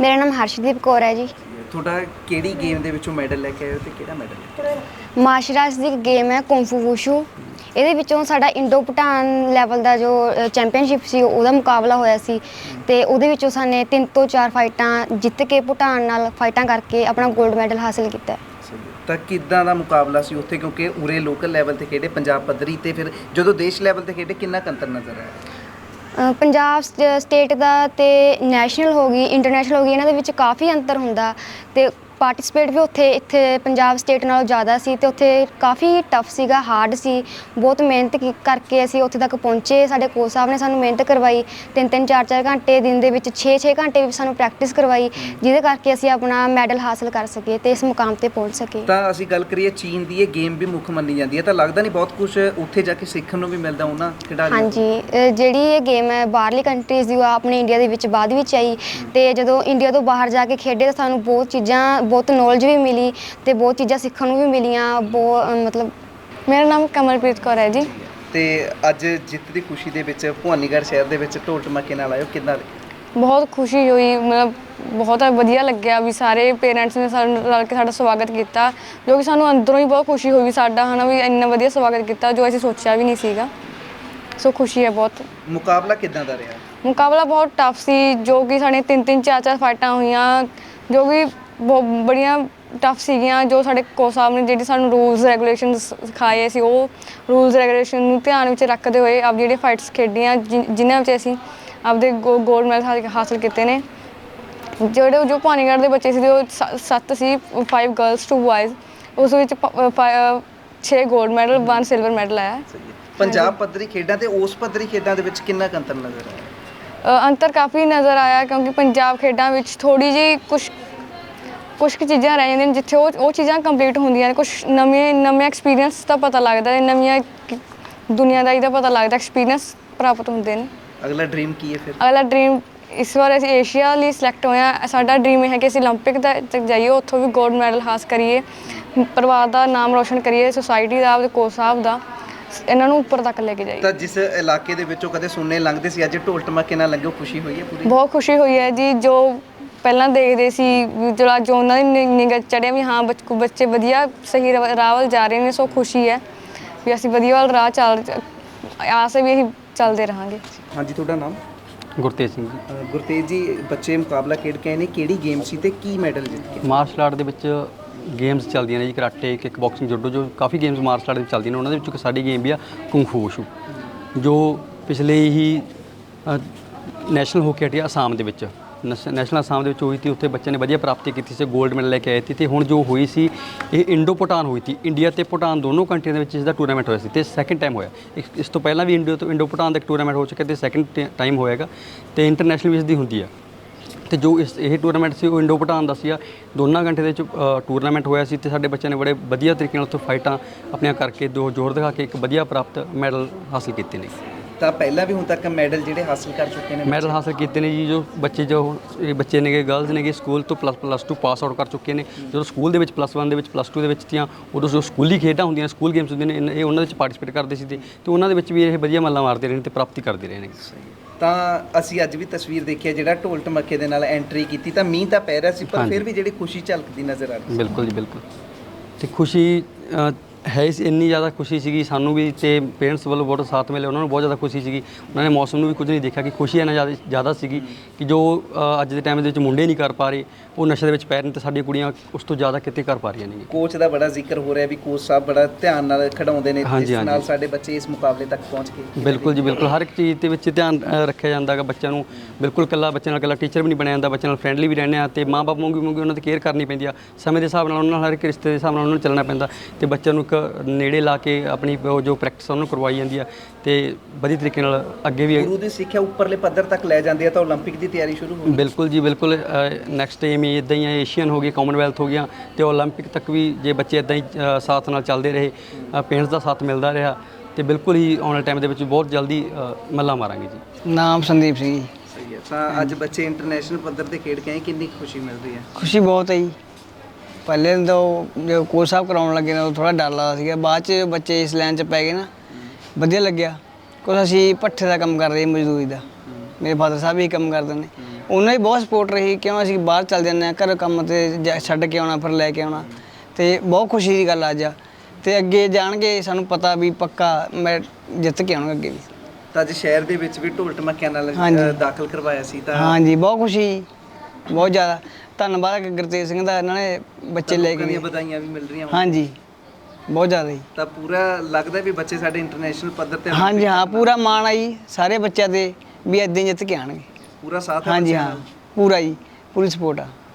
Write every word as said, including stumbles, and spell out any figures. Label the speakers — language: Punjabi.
Speaker 1: ਮੇਰਾ ਨਾਮ ਹਰਸ਼ਦੀਪ ਕੌਰ ਹੈ ਜੀ।
Speaker 2: ਤੁਹਾਡਾ ਕਿਹੜੀ ਗੇਮ ਦੇ ਵਿੱਚੋਂ ਮੈਡਲ ਲੈ ਕੇ ਆਏ ਹੋ ਤੇ ਕਿਹੜਾ ਮੈਡਲ?
Speaker 1: ਮਾਰਸ਼ਲ ਆਰਟਸ ਦੀ ਗੇਮ ਹੈ ਕੁੰਫੂ ਵੂਸ਼ੂ। ਇਹਦੇ ਵਿੱਚੋਂ ਸਾਡਾ ਇੰਡੋ ਭੂਟਾਨ ਲੈਵਲ ਦਾ ਜੋ ਚੈਂਪੀਅਨਸ਼ਿਪ ਸੀ ਉਹਦਾ ਮੁਕਾਬਲਾ ਹੋਇਆ ਸੀ ਅਤੇ ਉਹਦੇ ਵਿੱਚੋਂ ਸਾਨੇ ਤਿੰਨ ਤੋਂ ਚਾਰ ਫਾਈਟਾਂ ਜਿੱਤ ਕੇ ਭੂਟਾਨ ਨਾਲ ਫਾਈਟਾਂ ਕਰਕੇ ਆਪਣਾ ਗੋਲਡ ਮੈਡਲ ਹਾਸਿਲ ਕੀਤਾ।
Speaker 2: ਤਾਂ ਕਿੱਦਾਂ ਦਾ ਮੁਕਾਬਲਾ ਸੀ ਉੱਥੇ, ਕਿਉਂਕਿ ਉਰੇ ਲੋਕਲ ਲੈਵਲ 'ਤੇ ਖੇਡੇ, ਪੰਜਾਬ ਪੱਧਰੀ ਤੇ ਫਿਰ ਜਦੋਂ ਦੇਸ਼ ਲੈਵਲ 'ਤੇ ਖੇਡੇ ਕਿੰਨਾ ਕੁ ਅੰਤਰ ਨਜ਼ਰ ਆਇਆ?
Speaker 1: ਪੰਜਾਬ ਸਟੇਟ ਦਾ ਅਤੇ ਨੈਸ਼ਨਲ ਹੋ ਗਈ, ਇੰਟਰਨੈਸ਼ਨਲ ਹੋ ਗਈ, ਇਹਨਾਂ ਦੇ ਵਿੱਚ ਕਾਫੀ ਅੰਤਰ ਹੁੰਦਾ ਅਤੇ ਪਾਰਟੀਸਪੇਟ ਵੀ ਉੱਥੇ ਇੱਥੇ ਪੰਜਾਬ ਸਟੇਟ ਨਾਲੋਂ ਜ਼ਿਆਦਾ ਸੀ ਅਤੇ ਉੱਥੇ ਕਾਫੀ ਟਫ ਸੀਗਾ, ਹਾਰਡ ਸੀ। ਬਹੁਤ ਮਿਹਨਤ ਕੀ ਕਰਕੇ ਅਸੀਂ ਉੱਥੇ ਤੱਕ ਪਹੁੰਚੇ। ਸਾਡੇ ਕੋਚ ਸਾਹਿਬ ਨੇ ਸਾਨੂੰ ਮਿਹਨਤ ਕਰਵਾਈ, ਤਿੰਨ ਤਿੰਨ ਚਾਰ ਚਾਰ ਘੰਟੇ ਦਿਨ ਦੇ ਵਿੱਚ ਛੇ ਛੇ ਘੰਟੇ ਵੀ ਸਾਨੂੰ ਪ੍ਰੈਕਟਿਸ ਕਰਵਾਈ, ਜਿਹਦੇ ਕਰਕੇ ਅਸੀਂ ਆਪਣਾ ਮੈਡਲ ਹਾਸਲ ਕਰ ਸਕੇ ਅਤੇ ਇਸ ਮੁਕਾਮ 'ਤੇ ਪਹੁੰਚ ਸਕੇ।
Speaker 2: ਤਾਂ ਅਸੀਂ ਗੱਲ ਕਰੀਏ ਚੀਨ ਦੀ, ਇਹ ਗੇਮ ਵੀ ਮੁੱਖ ਮੰਨੀ ਜਾਂਦੀ ਹੈ, ਤਾਂ ਲੱਗਦਾ ਨਹੀਂ ਬਹੁਤ ਕੁਝ ਉੱਥੇ ਜਾ ਕੇ ਸਿੱਖਣ ਨੂੰ ਵੀ ਮਿਲਦਾ ਉਹਨਾਂ ਖਿਡਾਰੀਆਂ?
Speaker 1: ਹਾਂਜੀ, ਜਿਹੜੀ ਇਹ ਗੇਮ ਹੈ ਬਾਹਰਲੀ ਕੰਟਰੀਜ਼ ਦੀ, ਉਹ ਆਪਣੇ ਇੰਡੀਆ ਦੇ ਵਿੱਚ ਬਾਅਦ ਵਿੱਚ ਆਈ ਅਤੇ ਜਦੋਂ ਇੰਡੀਆ ਤੋਂ ਬਾਹਰ ਜਾ ਕੇ ਖੇਡੇ ਤਾਂ ਸਾਨੂੰ ਬਹੁਤ ਚੀਜ਼ਾਂ, ਬਹੁਤ ਨੌਲੇਜ ਵੀ ਮਿਲੀ ਅਤੇ ਬਹੁਤ ਚੀਜ਼ਾਂ ਸਿੱਖਣ ਨੂੰ ਵੀ ਮਿਲੀਆਂ। ਬਹੁਤ ਮਤਲਬ ਮੇਰਾ ਨਾਮ ਕਮਲਪ੍ਰੀਤ ਕੌਰ ਹੈ ਜੀ।
Speaker 2: ਤੇ ਅੱਜ ਜਿੱਤ ਦੀ ਖੁਸ਼ੀ ਦੇ ਵਿੱਚ ਭਵਾਨੀਗੜ੍ਹ ਸ਼ਹਿਰ ਦੇ ਵਿੱਚ ਢੋਲ ਢਮਾਕੇ ਨਾਲ ਆਇਓ, ਕਿੱਦਾਂ?
Speaker 3: ਬਹੁਤ ਖੁਸ਼ੀ ਹੋਈ, ਮਤਲਬ ਬਹੁਤ ਵਧੀਆ ਲੱਗਿਆ ਵੀ ਸਾਰੇ ਪੇਰੈਂਟਸ ਨੇ ਸਾਨੂੰ ਰਲ ਕੇ ਸਾਡਾ ਸਵਾਗਤ ਕੀਤਾ, ਜੋ ਕਿ ਸਾਨੂੰ ਅੰਦਰੋਂ ਹੀ ਬਹੁਤ ਖੁਸ਼ੀ ਹੋਈ ਸਾਡਾ, ਹੈ ਨਾ, ਵੀ ਇੰਨਾ ਵਧੀਆ ਸਵਾਗਤ ਕੀਤਾ ਜੋ ਅਸੀਂ ਸੋਚਿਆ ਵੀ ਨਹੀਂ ਸੀਗਾ। ਸੋ ਖੁਸ਼ੀ ਹੈ ਬਹੁਤ।
Speaker 2: ਮੁਕਾਬਲਾ ਕਿੱਦਾਂ ਦਾ ਰਿਹਾ?
Speaker 3: ਮੁਕਾਬਲਾ ਬਹੁਤ ਟਫ ਸੀ, ਜੋ ਕਿ ਸਾਡੇ ਤਿੰਨ ਤਿੰਨ ਚਾਰ ਚਾਰ ਫਾਈਟਾਂ ਹੋਈਆਂ, ਜੋ ਕਿ ਬਹੁਤ ਬੜੀਆਂ ਟਫ ਸੀਗੀਆਂ। ਜੋ ਸਾਡੇ ਕੋਚ ਸਾਹਿਬ ਨੇ ਜਿਹੜੀ ਸਾਨੂੰ ਰੂਲਸ ਰੈਗੂਲੇਸ਼ਨ ਸਿਖਾਏ ਸੀ, ਉਹ ਰੂਲਸ ਰੈਗੂਲੇਸ਼ਨ ਨੂੰ ਧਿਆਨ ਵਿੱਚ ਰੱਖਦੇ ਹੋਏ ਆਪ ਜਿਹੜੀਆਂ ਫਾਈਟਸ ਖੇਡੀਆਂ, ਜਿ ਜਿਨ੍ਹਾਂ ਵਿੱਚ ਅਸੀਂ ਆਪਦੇ ਗੋ ਗੋਲਡ ਮੈਡਲ ਹਾਸਿਲ ਕੀਤੇ ਨੇ। ਜਿਹੜੇ ਜੋ ਭਵਾਨੀਗੜ੍ਹ ਦੇ ਬੱਚੇ ਸੀ ਉਹ ਸ ਸੱਤ ਸੀ, ਫਾਈਵ ਗਰਲਸ ਟੂ ਬॉयਜ਼, ਉਸ ਵਿੱਚ ਛੇ gold medal, one silver medal ਆਇਆ।
Speaker 2: ਪੰਜਾਬ ਪੱਧਰੀ ਖੇਡਾਂ ਤੇ ਉਸ ਪੱਧਰੀ ਖੇਡਾਂ ਦੇ ਵਿੱਚ ਕਿੰਨਾ ਕੁ ਅੰਤਰ ਨਜ਼ਰ ਆਇਆ?
Speaker 3: ਅੰਤਰ ਕਾਫੀ ਨਜ਼ਰ ਆਇਆ, ਕਿਉਂਕਿ ਪੰਜਾਬ ਖੇਡਾਂ ਵਿੱਚ ਥੋੜ੍ਹੀ ਜਿਹੀ ਕੁਛ ਕੁਛ ਕੁ ਚੀਜ਼ਾਂ ਰਹਿ ਜਾਂਦੀਆਂ ਨੇ ਜਿੱਥੇ ਉਹ ਉਹ ਚੀਜ਼ਾਂ ਕੰਪਲੀਟ ਹੁੰਦੀਆਂ ਨੇ। ਕੁਛ ਨਵੇਂ ਨਵੇਂ ਐਕਸਪੀਰੀਅੰਸ ਦਾ ਪਤਾ ਲੱਗਦਾ, ਨਵੀਆਂ ਦੁਨੀਆਦਾਰੀ ਦਾ ਪਤਾ ਲੱਗਦਾ, ਐਕਸਪੀਰੀਅੰਸ ਪ੍ਰਾਪਤ ਹੁੰਦੇ ਨੇ।
Speaker 2: ਅਗਲਾ ਡ੍ਰੀਮ ਕੀ ਹੈ ਫਿਰ?
Speaker 3: ਅਗਲਾ ਡ੍ਰੀਮ ਇਸ ਵਾਰ ਅਸੀਂ ਏਸ਼ੀਆ ਲਈ ਸਿਲੈਕਟ ਹੋਏ ਹਾਂ। ਸਾਡਾ ਡ੍ਰੀਮ ਇਹ ਹੈ ਕਿ ਅਸੀਂ ਓਲੰਪਿਕ ਤੱਕ ਜਾਈਏ, ਉੱਥੋਂ ਵੀ ਗੋਲਡ ਮੈਡਲ ਹਾਸਲ ਕਰੀਏ, ਪਰਿਵਾਰ ਦਾ ਨਾਮ ਰੋਸ਼ਨ ਕਰੀਏ, ਸੁਸਾਇਟੀ ਦਾ, ਆਪਦੇ ਕੋਚ ਸਾਹਿਬ ਦਾ, ਇਹਨਾਂ ਨੂੰ ਉੱਪਰ ਤੱਕ ਲੈ ਕੇ ਜਾਈਏ।
Speaker 2: ਤਾਂ ਜਿਸ ਇਲਾਕੇ ਦੇ ਵਿੱਚੋਂ ਕਦੇ ਸੁਣਨੇ ਲੰਘਦੇ ਸੀ, ਅੱਜ ਢੋਲ ਢਮਾਕੇ ਨਾਲ ਲੰਘੇ, ਖੁਸ਼ੀ ਹੋਈ ਹੈ ਪੂਰੀ?
Speaker 3: ਬਹੁਤ ਖੁਸ਼ੀ ਹੋਈ ਹੈ ਜੀ। ਜੋ ਪਹਿਲਾਂ ਦੇਖਦੇ ਸੀ, ਜਿਹੜਾ ਜੋ ਉਹਨਾਂ ਦੀ ਨਿਗਾਹ ਚੜ੍ਹਿਆ ਵੀ ਹਾਂ ਬੱਚ ਬੱਚੇ ਵਧੀਆ ਸਹੀ ਰਾਹ ਵੱਲ ਜਾ ਰਹੇ ਨੇ, ਸੋ ਖੁਸ਼ੀ ਹੈ ਵੀ ਅਸੀਂ ਵਧੀਆ ਵੱਲ ਰਾਹ ਚੱਲ, ਆਸ ਵੀ ਅਸੀਂ ਚੱਲਦੇ ਰਹਾਂਗੇ।
Speaker 2: ਹਾਂਜੀ, ਤੁਹਾਡਾ ਨਾਮ?
Speaker 4: ਗੁਰਤੇਜ ਸਿੰਘ ਜੀ।
Speaker 2: ਗੁਰਤੇਜ ਜੀ, ਬੱਚੇ ਮੁਕਾਬਲਾ ਖੇਡ ਕੇ ਆਏ ਨੇ, ਕਿਹੜੀ ਗੇਮ ਸੀ ਤੇ ਕੀ ਮੈਡਲ ਜਿੱਤ ਕੇ?
Speaker 4: ਮਾਰਸ਼ਲ ਆਰਟ ਦੇ ਵਿੱਚ ਗੇਮਸ ਚੱਲਦੀਆਂ ਨੇ ਜੀ, ਕਰਾਟੇ, ਕਿੱਕ ਬਾਕਸਿੰਗ, ਜੁਡੋ, ਜੋ ਕਾਫੀ ਗੇਮਸ ਮਾਰਸ਼ਲ ਆਰਟ ਦੇ ਵਿੱਚ ਚੱਲਦੀਆਂ ਨੇ। ਉਹਨਾਂ ਦੇ ਵਿੱਚੋਂ ਇੱਕ ਸਾਡੀ ਗੇਮ ਵੀ ਆ ਕੁੰਫੂ ਵੂਸ਼ੂ, ਜੋ ਪਿਛਲੇ ਹੀ ਨੈਸ਼ਨਲ ਹੋ ਕੇ ਹਟੀ ਅਸਾਮ ਦੇ ਵਿੱਚ, ਨੈਸ਼ ਨੈਸ਼ਨਲ ਅਸਾਮ ਦੇ ਵਿੱਚ ਹੋਈ ਸੀ। ਉੱਥੇ ਬੱਚਿਆਂ ਨੇ ਵਧੀਆ ਪ੍ਰਾਪਤੀ ਕੀਤੀ ਸੀ, ਗੋਲਡ ਮੈਡਲ ਲੈ ਕੇ ਆਏ ਸੀ। ਅਤੇ ਹੁਣ ਜੋ ਹੋਈ ਸੀ ਇਹ ਇੰਡੋ ਭੂਟਾਨ ਹੋਈ ਸੀ, ਇੰਡੀਆ ਅਤੇ ਭੂਟਾਨ ਦੋਨੋਂ ਕੰਟਰੀਆਂ ਦੇ ਵਿੱਚ ਇਸ ਦਾ ਟੂਰਨਾਮੈਂਟ ਹੋਇਆ ਸੀ ਅਤੇ ਸੈਕਿੰਡ ਟਾਈਮ ਹੋਇਆ। ਇਸ ਤੋਂ ਪਹਿਲਾਂ ਵੀ ਇੰਡੀਆ ਤੋਂ ਇੰਡੋ ਭੂਟਾਨ ਦਾ ਇੱਕ ਟੂਰਨਾਮੈਂਟ ਹੋ ਚੁੱਕਿਆ ਅਤੇ ਸੈਕਿੰਡ ਟਾਈਮ ਹੋਏਗਾ ਅਤੇ ਇੰਟਰਨੈਸ਼ਨਲ ਵੀ ਇਸ ਦੀ ਹੁੰਦੀ ਆ। ਅਤੇ ਜੋ ਇਸ ਇਹ ਟੂਰਨਾਮੈਂਟ ਸੀ ਉਹ ਇੰਡੋ ਭੂਟਾਨ ਦਾ ਸੀਗਾ, ਦੋਨਾਂ ਘੰਟੇ ਦੇ ਵਿੱਚ ਟੂਰਨਾਮੈਂਟ ਹੋਇਆ ਸੀ ਅਤੇ ਸਾਡੇ ਬੱਚਿਆਂ ਨੇ ਬੜੇ ਵਧੀਆ ਤਰੀਕੇ ਨਾਲ ਉੱਥੋਂ ਫਾਈਟਾਂ ਆਪਣੀਆਂ ਕਰਕੇ, ਦੋ ਜ਼ੋਰ ਦਿਖਾ ਕੇ ਇੱਕ ਵਧੀਆ ਪ੍ਰਾਪਤ ਮੈਡਲ ਹਾਸਿਲ ਕੀਤੇ ਨੇ।
Speaker 2: ਤਾਂ ਪਹਿਲਾਂ ਵੀ ਹੁਣ ਤੱਕ ਮੈਡਲ ਜਿਹੜੇ ਹਾਸਿਲ ਕਰ ਚੁੱਕੇ ਨੇ?
Speaker 4: ਮੈਡਲ ਹਾਸਿਲ ਕੀਤੇ ਨੇ ਜੀ, ਜੋ ਬੱਚੇ ਜੋ ਇਹ ਬੱਚੇ ਨੇਗੇ, ਗਰਲਸ ਨੇਗੇ, ਸਕੂਲ ਤੋਂ plus plus two pass out ਕਰ ਚੁੱਕੇ ਨੇ। ਜਦੋਂ ਸਕੂਲ ਦੇ ਵਿੱਚ ਪਲੱਸ ਵਨ ਦੇ ਵਿੱਚ, ਪਲੱਸ ਟੂ ਦੇ ਵਿੱਚ ਤੀਆਂ, ਉਦੋਂ ਜੋ ਸਕੂਲੀ ਖੇਡਾਂ ਹੁੰਦੀਆਂ, ਸਕੂਲ ਗੇਮਸ ਹੁੰਦੀਆਂ ਨੇ, ਇਹ ਉਹਨਾਂ ਵਿੱਚ ਪਾਰਟੀਸਪੇਟ ਕਰਦੇ ਸੀ ਅਤੇ ਉਹਨਾਂ ਦੇ ਵਿੱਚ ਵੀ ਇਹ ਵਧੀਆ ਮੱਲਾਂ ਮਾਰਦੇ ਰਹੇ ਨੇ ਅਤੇ ਪ੍ਰਾਪਤੀ ਕਰਦੇ ਰਹੇ ਨੇ।
Speaker 2: ਤਾਂ ਅਸੀਂ ਅੱਜ ਵੀ ਤਸਵੀਰ ਦੇਖੀ ਹੈ, ਜਿਹੜਾ ਢੋਲ ਢਮਾਕੇ ਦੇ ਨਾਲ ਐਂਟਰੀ ਕੀਤੀ, ਤਾਂ ਮੀਂਹ ਤਾਂ ਪੈ ਰਿਹਾ ਸੀ ਪਰ ਫਿਰ ਵੀ ਜਿਹੜੀ ਖੁਸ਼ੀ ਝਲਕਦੀ ਨਜ਼ਰ ਆ ਰਹੀ।
Speaker 4: ਬਿਲਕੁਲ ਜੀ, ਬਿਲਕੁਲ। ਅਤੇ ਖੁਸ਼ੀ ਹੈ ਸੀ, ਇੰਨੀ ਜ਼ਿਆਦਾ ਖੁਸ਼ੀ ਸੀਗੀ ਸਾਨੂੰ ਵੀ, ਅਤੇ ਪੇਰੈਂਟਸ ਵੱਲੋਂ ਬਹੁਤ ਸਾਥ ਮਿਲਿਆ, ਉਹਨਾਂ ਨੂੰ ਬਹੁਤ ਜ਼ਿਆਦਾ ਖੁਸ਼ੀ ਸੀਗੀ। ਉਹਨਾਂ ਨੇ ਮੌਸਮ ਨੂੰ ਵੀ ਕੁਝ ਨਹੀਂ ਦੇਖਿਆ ਕਿ ਖੁਸ਼ੀ ਇੰਨਾ ਜ਼ਿਆਦਾ ਜ਼ਿਆਦਾ ਸੀਗੀ ਕਿ ਜੋ ਅੱਜ ਦੇ ਟਾਈਮ ਦੇ ਵਿੱਚ ਮੁੰਡੇ ਨਹੀਂ ਕਰ ਪਾ ਰਹੇ, ਉਹ ਨਸ਼ੇ ਦੇ ਵਿੱਚ ਪੈ ਰਹੇ ਨੇ, ਅਤੇ ਸਾਡੀਆਂ ਕੁੜੀਆਂ ਉਸ ਤੋਂ ਜ਼ਿਆਦਾ ਕਿਤੇ ਕਰ ਪਾ ਰਹੀਆਂ ਨੇ।
Speaker 2: ਕੋਚ ਦਾ ਬੜਾ ਜ਼ਿਕਰ ਹੋ ਰਿਹਾ ਵੀ ਕੋਚ ਸਾਹਿਬ ਬੜਾ ਧਿਆਨ ਨਾਲ ਖਿਡਾਉਂਦੇ ਨੇ,
Speaker 4: ਜਿਸ
Speaker 2: ਨਾਲ ਸਾਡੇ ਬੱਚੇ ਇਸ ਮੁਕਾਬਲੇ ਤੱਕ ਪਹੁੰਚ ਗਏ।
Speaker 4: ਬਿਲਕੁਲ ਜੀ, ਬਿਲਕੁਲ। ਹਰ ਇੱਕ ਚੀਜ਼ ਦੇ ਵਿੱਚ ਧਿਆਨ ਰੱਖਿਆ ਜਾਂਦਾ ਹੈਗਾ ਬੱਚਿਆਂ ਨੂੰ। ਬਿਲਕੁਲ ਇਕੱਲਾ ਬੱਚਿਆਂ ਨਾਲ ਇਕੱਲਾ ਟੀਚਰ ਵੀ ਨਹੀਂ ਬਣਿਆ ਜਾਂਦਾ, ਬੱਚਿਆਂ ਨਾਲ ਫਰੈਂਡਲੀ ਵੀ ਰਹਿੰਦੇ ਆ ਅਤੇ ਮਾਂ ਬਾਪ ਵਾਂਗੂ ਵਾਂਗੂ ਉਹਨਾਂ ਦੀ ਕੇਅਰ ਕਰਨੀ ਪੈਂਦੀ ਆ। ਸਮੇਂ ਦੇ ਹਿਸਾਬ ਨਾਲ ਉਹਨਾਂ ਨਾਲ, ਹਰ ਇੱਕ ਰਿਸ਼ਤੇ ਦੇ ਹਿਸਾਬ ਨਾਲ ਉਹਨਾਂ ਨੂੰ ਚੱਲਣਾ ਪੈਂਦਾ ਅਤੇ ਬੱਚਿਆਂ ਨੂੰ ਇੱਕ ਨੇੜੇ ਲਾ ਕੇ ਆਪਣੀ ਜੋ ਪ੍ਰੈਕਟਿਸ ਉਹਨਾਂ ਨੂੰ ਕਰਵਾਈ ਜਾਂਦੀ ਆ ਅਤੇ ਵਧੀਆ ਤਰੀਕੇ ਨਾਲ ਅੱਗੇ ਵੀ
Speaker 2: ਗੁਰੂ ਦੀ ਸਿੱਖਿਆ ਉੱਪਰਲੇ ਪੱਧਰ ਤੱਕ ਲੈ ਜਾਂਦੇ ਆ। ਤਾਂ ਓਲੰਪਿਕ ਦੀ ਤਿਆਰੀ ਸ਼ੁਰੂ ਹੋ ਗਈ? ਬਿਲਕੁਲ
Speaker 4: ਜੀ, ਬਿਲਕੁਲ। ਨੈਕਸਟ ਏਮ ਹੀ ਇੱਦਾਂ ਹੀ ਹੈ, ਏਸ਼ੀਅਨ ਹੋ ਗਈ, ਕਾਮਨਵੈਲਥ ਹੋ ਗਿਆ ਅਤੇ ਓਲੰਪਿਕ ਤੱਕ ਵੀ ਜੇ ਬੱਚੇ ਇੱਦਾਂ ਹੀ ਸਾਥ ਨਾਲ ਚੱਲਦੇ ਰਹੇ, ਪੇਰੈਂਟਸ ਦਾ ਸਾਥ ਮਿਲਦਾ ਰਿਹਾ ਅਤੇ ਬਿਲਕੁਲ ਹੀ ਆਉਣ ਵਾਲੇ ਟਾਈਮ ਦੇ ਵਿੱਚ ਬਹੁਤ ਜਲਦੀ ਮੱਲਾਂ ਮਾਰਾਂਗੇ ਜੀ।
Speaker 5: ਨਾਮ ਸੰਦੀਪ ਸਿੰਘ ਜੀ।
Speaker 2: ਸਹੀ ਹੈ। ਤਾਂ ਅੱਜ ਬੱਚੇ ਇੰਟਰਨੈਸ਼ਨਲ ਪੱਧਰ 'ਤੇ ਖੇਡ ਕੇ ਆਏ, ਕਿੰਨੀ ਖੁਸ਼ੀ ਮਿਲ ਰਹੀ ਹੈ?
Speaker 5: ਖੁਸ਼ੀ ਬਹੁਤ ਹੈ ਜੀ। ਪਹਿਲੇ ਤਾਂ ਜੋ ਕੋਚ ਸਾਹਿਬ ਕਰਾਉਣ ਲੱਗੇ ਨਾ, ਉਹ ਥੋੜ੍ਹਾ ਡਰ ਲੱਗਦਾ ਸੀਗਾ, ਬਾਅਦ 'ਚ ਬੱਚੇ ਇਸ ਲਾਈਨ 'ਚ ਪੈ ਗਏ ਨਾ, ਵਧੀਆ ਲੱਗਿਆ। ਕੁਛ ਅਸੀਂ ਭੱਠੇ ਦਾ ਕੰਮ ਕਰਦੇ ਮਜ਼ਦੂਰੀ ਦਾ, ਮੇਰੇ ਫਾਦਰ ਸਾਹਿਬ ਵੀ ਕੰਮ ਕਰਦੇ ਨੇ, ਉਹਨਾਂ ਦੀ ਬਹੁਤ ਸਪੋਰਟ ਰਹੀ, ਕਿਉਂ ਅਸੀਂ ਬਾਹਰ ਚੱਲ ਜਾਂਦੇ ਹਾਂ ਘਰ ਕੰਮ ਤੇ ਜਾ- ਛੱਡ ਕੇ ਆਉਣਾ ਫਿਰ ਲੈ ਕੇ ਆਉਣਾ, ਤੇ ਬਹੁਤ ਖੁਸ਼ੀ ਦੀ ਗੱਲ ਅੱਜ ਆ। ਤੇ ਅੱਗੇ ਜਾਣਗੇ ਸਾਨੂੰ ਪਤਾ ਵੀ ਪੱਕਾ ਮੈਂ ਜਿੱਤ ਕੇ ਆਉਣਗਾ ਅੱਗੇ ਵੀ।
Speaker 2: ਤਾਂ ਅੱਜ ਸ਼ਹਿਰ ਦੇ ਵਿੱਚ ਵੀ ਢੋਲ ਢਮੱਕਿਆਂ ਨਾਲ
Speaker 5: ਹਾਂਜੀ।
Speaker 2: ਅ, ਦਾਖਲ ਕਰਵਾਇਆ ਸੀ ਤਾਂ
Speaker 5: ਹਾਂਜੀ ਬਹੁਤ ਖੁਸ਼ੀ, ਬਹੁਤ ਜ਼ਿਆਦਾ ਧੰਨਵਾਦ ਗੁਰਤੇਜ ਸਿੰਘ ਦਾ, ਇਹਨਾਂ ਨੇ ਬੱਚੇ ਲੈ
Speaker 2: ਲੋਕਾਂ
Speaker 5: ਕੇ
Speaker 2: ਦੀਆਂ
Speaker 5: ਗਏ।
Speaker 2: ਵਧਾਈਆਂ ਵੀ ਮਿਲ ਰਹੀਆਂ ਹੋਣ।
Speaker 5: ਹਾਂਜੀ ਬਹੁਤ ਜ਼ਿਆਦਾ ਜੀ।
Speaker 2: ਤਾਂ ਪੂਰਾ ਲੱਗਦਾ ਵੀ ਬੱਚੇ ਸਾਡੇ ਇੰਟਰਨੈਸ਼ਨਲ ਪੱਧਰ ਤੇ
Speaker 5: ਹਾਂਜੀ ਹਾਂ ਪੂਰਾ ਮਾਣ ਆ ਜੀ ਸਾਰੇ ਬੱਚਿਆਂ ਦੇ ਵੀ ਇੱਦਾਂ ਹੀ ਜਿੱਤ ਕੇ ਆਣਗੇ।
Speaker 2: ਪੂਰਾ ਸਾਥ ਹੈ
Speaker 5: ਹਾਂਜੀ
Speaker 2: ਬੱਚਿਆਂ
Speaker 5: ਹਾਂ
Speaker 2: ਨਾਲ।
Speaker 5: ਪੂਰਾ ਜੀ, ਪੂਰੀ ਸਪੋਰਟ ਆ।